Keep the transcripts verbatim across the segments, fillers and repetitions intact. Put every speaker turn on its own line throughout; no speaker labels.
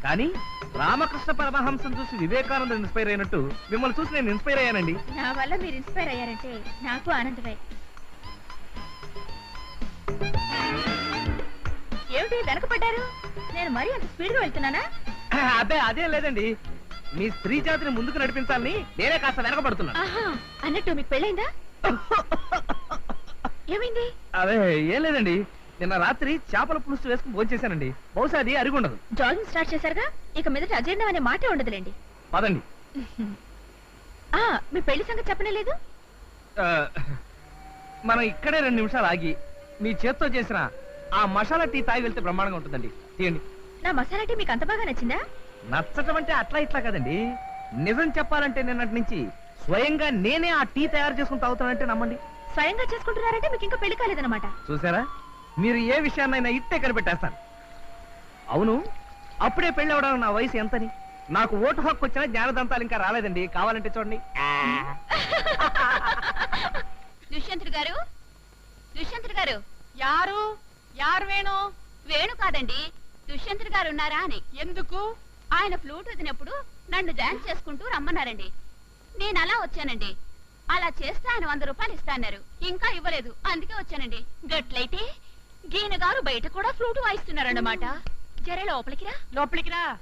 కానీ రామకృష్ణ పరమహంసం చూసి వివేకానంద ఇన్స్పైర్ అయినట్టు మిమ్మల్ని చూసి నేను ఇన్స్పైర్ అయ్యానండి.
నా వల్ల మీరు ఇన్స్పైర్ అయ్యారంటే నాకు ఆనందమే. ఏమిటి వెనకపడ్డారు? నేను మరీ అంత స్పీడ్ గా వెళ్తున్నానా?
అదే అదే లేదండి, మీ స్త్రీ జాతిని ముందుకు నడిపించాలని నేనే కాస్త వెనకబడుతున్నాను.
ఆహా, అన్నట్టు మీకు పెళ్ళైందా? ఏమైంది?
అదే ఏం లేదండి, నిన్న రాత్రి చేపల పులుసు వేసుకుని భోంచేశానండి. బహుశా అది అరిగుండదు.
జాగింగ్ స్టార్ట్ చేశారుగా, ఇక మీదట అజీర్ణం అనే మాటే ఉండదులేండి.
పదండి.
ఆ మీ పెళ్లి సంగతి చెప్పనే లేదు.
ఆ, మనం ఇక్కడే రెండు నిమిషాలు ఆగి మీ చేత్తో చేసిన ఆ మసాలా టీ తాగి వెళ్తే బ్రహ్మాండంగా ఉంటుందండి. తీయండి.
నా మసాలా టీ మీకు అంత బాగా నచ్చిందా?
నచ్చటం అంటే అట్లా ఇట్లా కదండి, నిజం చెప్పాలంటే నిన్నటి నుంచి స్వయంగా నేనే ఆ టీ తయారు చేసుకుని తాగుతానంటే నమ్మండి.
స్వయంగా చేసుకుంటున్నారంటే మీకు ఇంకా పెళ్లి కాలేదన్నమాట.
చూసారా, మీరు ఏ విషయాన్నైనా ఇట్టే కనిపెట్టేస్తాను. అవును, అప్పుడే పెళ్లి అవడానికి నా వయసు ఎంతని? నాకు ఓటు హక్కు వచ్చినా జ్ఞానదంతాలు ఇంకా రాలేదండి. కావాలంటే చూడండి.
దుష్యంతుడు గారు, దుష్యంతుడు గారు. యారు యారు వేణు? వేణు కాదండి, దుష్యంతుడు గారు ఉన్నారా అని. ఎందుకు? ఆయన ఫ్లూట్ వదినప్పుడు నన్ను డాన్స్ చేసుకుంటూ రమ్మన్నారండి. నేను అలా వచ్చానండి. అలా చేస్తే ఆయన వంద రూపాయలు ఇస్తాన్నారు, ఇంకా ఇవ్వలేదు, అందుకే వచ్చానండి. గట్లయితే గీన గారు బయట కూడా ఫ్లూట్ వాయిస్తున్నారన్నమాట. జరే లోపలికి రా. లోపలికి రా.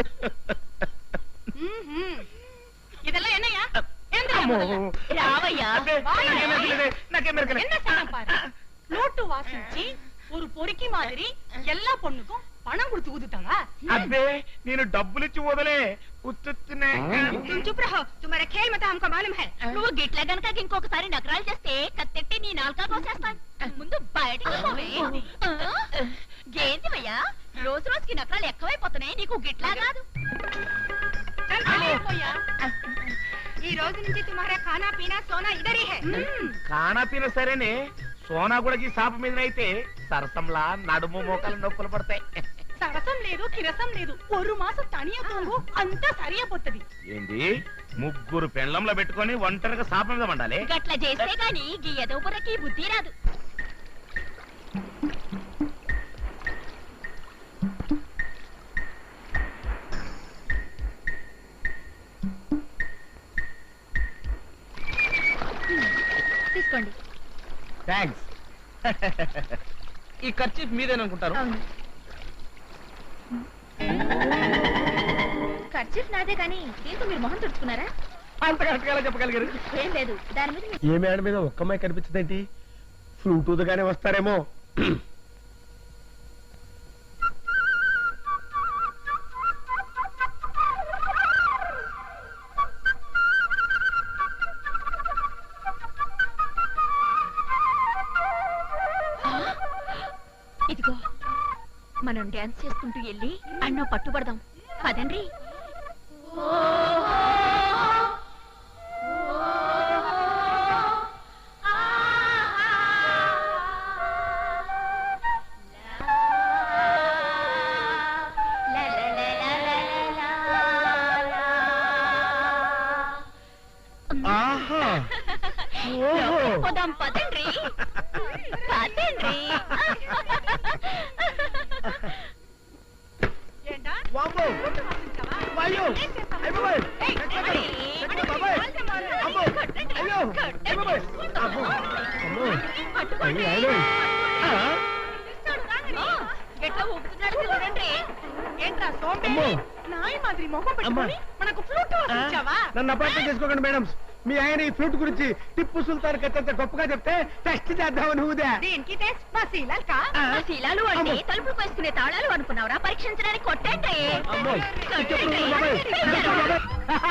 ఇదెల్లా ఎన్నయ్యా? రావయ్యా.
ఫ్లூட் வாசிச்சு ஒரு பொறுக்கி மாதிரி எல்லா பொண்ணுக்கும் பணம் கொடுத்து ஊதுட்டாங்க.
అబ్బే, నేను డబ్బులు ఇచ్చి వదలే ఉత్తునే.
चुप रहो, तुम्हारा खेल मत हमको मालूम है.
నువ్వు గిట్ల గనక ఇంకొకసారి నగరాలు చేస్తే కత్తెట్టి నీ నాలుక కోసేస్తాను. ముందు బయటకు పోవే. గేందివయ్యా, రోజు రోజుకి నగరాలు ఎక్కువైపోతున్నాయి. నీకు గిట్లా కాదు.
चल चलिए भैया, ఈ రోజు నుంచి तुम्हारा खाना पीना सोना इधर ही है.
కానా పీన సరేనే, సోనా కూడా ఈ సాప మీద అయితే సరసంలా నడుము మోకాలు నొప్పులు పడతాయి.
సరసం లేదు, కిరసం లేదు, ஒரு మాసం తనియా తోంగు అంతా సరియా పోతది.
ఏంది, ముగ్గురు పెండ్లంలో పెట్టుకొని ఒంటరిగా సాప మీద వండాలి?
గట్ల చేస్తే గాని గీ ఎదో బుర్రకి బుద్ధి రాదు. తీసుకోండి.
థ్యాంక్స్. ఈ ఖర్చు మీదేననుకుంటారు.
అవును, ఖర్చీఫ్ నాదే కానీ దీంతో మీరు మొహం తుడుచుకున్నారా?
అంత కరెక్ట్ గా చెప్పగలిగారు.
ఏం లేదు, దాని మీద మీ-
ఏ మేడ మీద ఒక్కమ్మాయి కనిపించదేంటి? ఫ్లూట్ ఊదగానే వస్తారేమో.
ఇదిగో, మనం డాన్స్ చేసుకుంటూ వెళ్ళి అన్నో పట్టుబడదాం. పదండ్రి.
ఆహా, ఓహో.
పోదాం, పదండ్రి. పదండ్రి.
ఏంటా
వామ్మో,
ఫ్లూట్ వాసించావా?
వాయ్యో,
ఏం చేస్తావు?
అయ్ బాబాయ్,
ఏయ్,
ఎక్కడ?
అడి,
ఎక్కడ
అడి,
బాబాయ్?
వాళ్ళ వాళ్ళు.
అమ్మో, అయ్యో, అయ్ బాబాయ్, అమ్మో, అమ్మో, అయ్యో, అయ్యో. ఆ,
ఇస్తాడు రాంగని.
ఆ, ఎట్లా ఊపుతున్నాడు చూడండి.
ఏంట్రా సోంబేరి,
అమ్మో.
నాయి మాదిరి మొహం పెట్టుకొని మనకు ఫ్లూట్ వాసించావా?
నన్ను అపార్థం చేసుకోకండి మేడం. మీ ఆయన ఈ ఫ్లూట్ గురించి టిప్పు సుల్తాన్ కట్టంత గొప్పగా చెప్తే టెస్ట్ చేద్దామని ఊదా.
దీనికి టెస్ట్ మా శీలాల్కా?
ఆ శీలాలు అంటే తలుపులు వేసుకునే తాళాలు అనుకున్నావురా? పరీక్షించడానికి కొట్టండి.
అమ్మో,
కొట్టండి.
బాబాయ్, బాబాయ్.